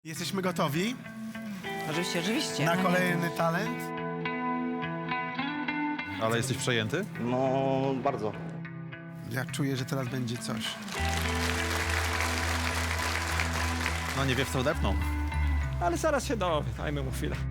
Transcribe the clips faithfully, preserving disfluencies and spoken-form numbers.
Jesteśmy gotowi Oczywiście, oczywiście. na kolejny talent. Ale jesteś przejęty? No, bardzo. Ja czuję, że teraz będzie coś. No nie wie, w co odepną. Ale zaraz się dowie, dajmy mu chwilę.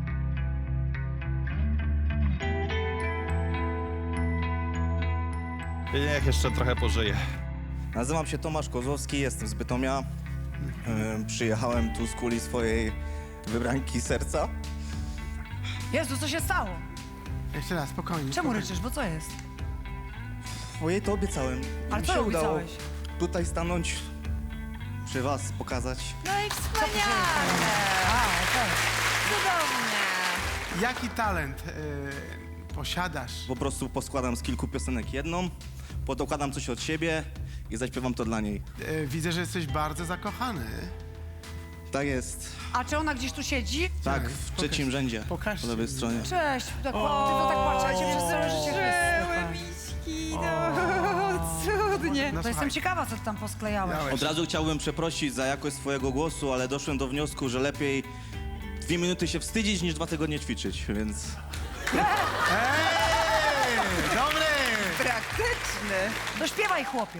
Niech jeszcze trochę pożyje. Nazywam się Tomasz Kozłowski, jestem z Bytomia. Yy, przyjechałem tu z kuli swojej wybranki serca. Jezu, co się stało? Jeszcze raz, spokojnie. Czemu spokojnie. ryczysz, bo co jest? Bo jej to obiecałem. I Ale mi co się udało obiecałeś? tutaj stanąć przy was, pokazać. No i Co wspaniale! A, okej. Cudownie! Jaki talent y, posiadasz? Po prostu poskładam z kilku piosenek jedną, podokładam coś od siebie i zaśpiewam to dla niej. Y, widzę, że jesteś bardzo zakochany. Tak jest. A czy ona gdzieś tu siedzi? Tak, Tak, w pokaż- trzecim rzędzie. pokażcie Po lewej mi. stronie. Cześć, tak, ty to tak płaczecie przez całe życie. Żyły miśki, no cudnie. No To jestem ciekawa, co ty tam posklejałeś. Miałeś. Od razu chciałbym przeprosić za jakość swojego głosu, ale doszłem do wniosku, że lepiej dwie minuty się wstydzić, niż dwa tygodnie ćwiczyć, więc... Ej, dobry! Praktyczny. To śpiewaj, chłopie.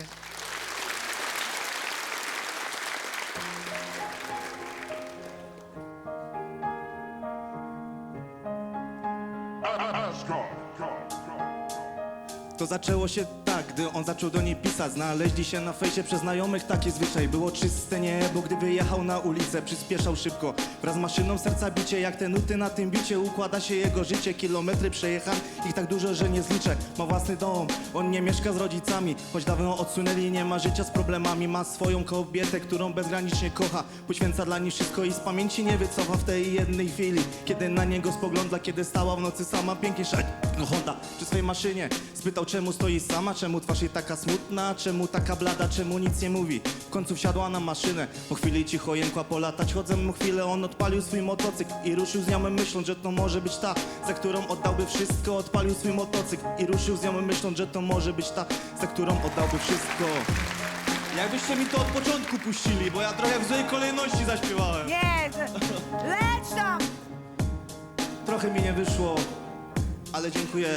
To zaczęło się tak, gdy on zaczął do niej pisać. Znaleźli się na fejsie przez znajomych, taki zwyczaj. Było czyste niebo, gdy wyjechał na ulicę. Przyspieszał szybko, wraz z maszyną serca bicie. Jak te nuty na tym bicie, układa się jego życie. Kilometry przejechał, ich tak dużo, że nie zliczę. Ma własny dom, on nie mieszka z rodzicami. Choć dawno odsunęli, nie ma życia z problemami. Ma swoją kobietę, którą bezgranicznie kocha. Poświęca dla niej wszystko i z pamięci nie wycofa w tej jednej chwili. Kiedy na niego spogląda, kiedy stała w nocy sama. Pięknie szedł Honda przy swojej maszynie. Spytał, czemu stoi sama, czemu twarz jej taka smutna, czemu taka blada, czemu nic nie mówi. W końcu wsiadła na maszynę, po chwili cicho jękła polatać. Chodzę mu chwilę, on odpalił swój motocykl i ruszył z nią myśląc, że to może być ta, za którą oddałby wszystko. Odpalił swój motocykl i ruszył z nią myśląc, że to może być ta, za którą oddałby wszystko. Jakbyście mi to od początku puścili, bo ja trochę w złej kolejności zaśpiewałem. Nie, to- leć tam! Trochę mi nie wyszło, ale dziękuję.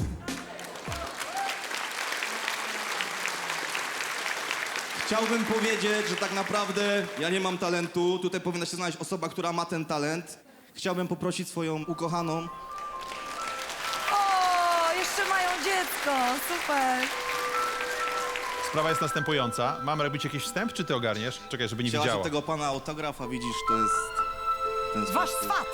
Chciałbym powiedzieć, że tak naprawdę ja nie mam talentu. Tutaj powinna się znaleźć osoba, która ma ten talent. Chciałbym poprosić swoją ukochaną. O, jeszcze mają dziecko, super. Sprawa jest następująca. Mam robić jakiś wstęp, czy ty ogarniesz? Czekaj, żeby nie Chciałaś widziała. od tego pana autografa, widzisz, to jest ten Wasz sposób. swat.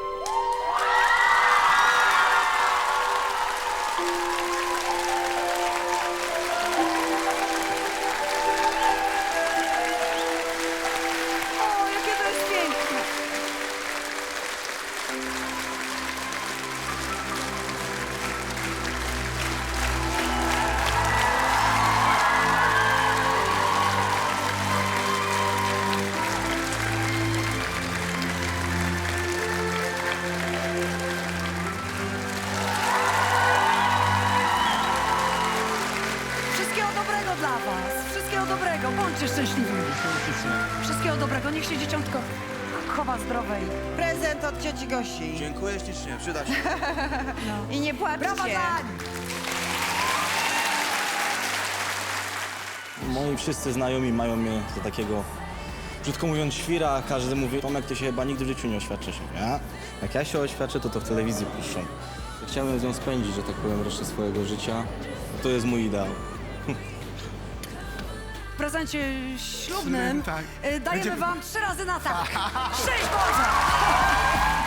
O, jakie to jest piękne. Wszystkiego dobrego dla was. Wszystkiego dobrego. Bądźcie szczęśliwi. Wszystkiego dobrego. Niech się dzieciątko chowa zdrowej. Prezent od cioci Gosi. Dziękuję ślicznie, przyda się. I nie płaczcie. Brawa dla nich. Moi wszyscy znajomi mają mnie za takiego, brzydko mówiąc, świra. Każdy mówi, Tomek, ty się chyba nigdy w życiu nie oświadczysz. Ja? Jak ja się oświadczę, to to w telewizji puszczą. Chciałem z nią spędzić, że tak powiem, resztę swojego życia. To jest mój ideał. W prezencie ślubnym Tak. y, dajemy Będzie- wam trzy razy na tak. Szczęść Boże!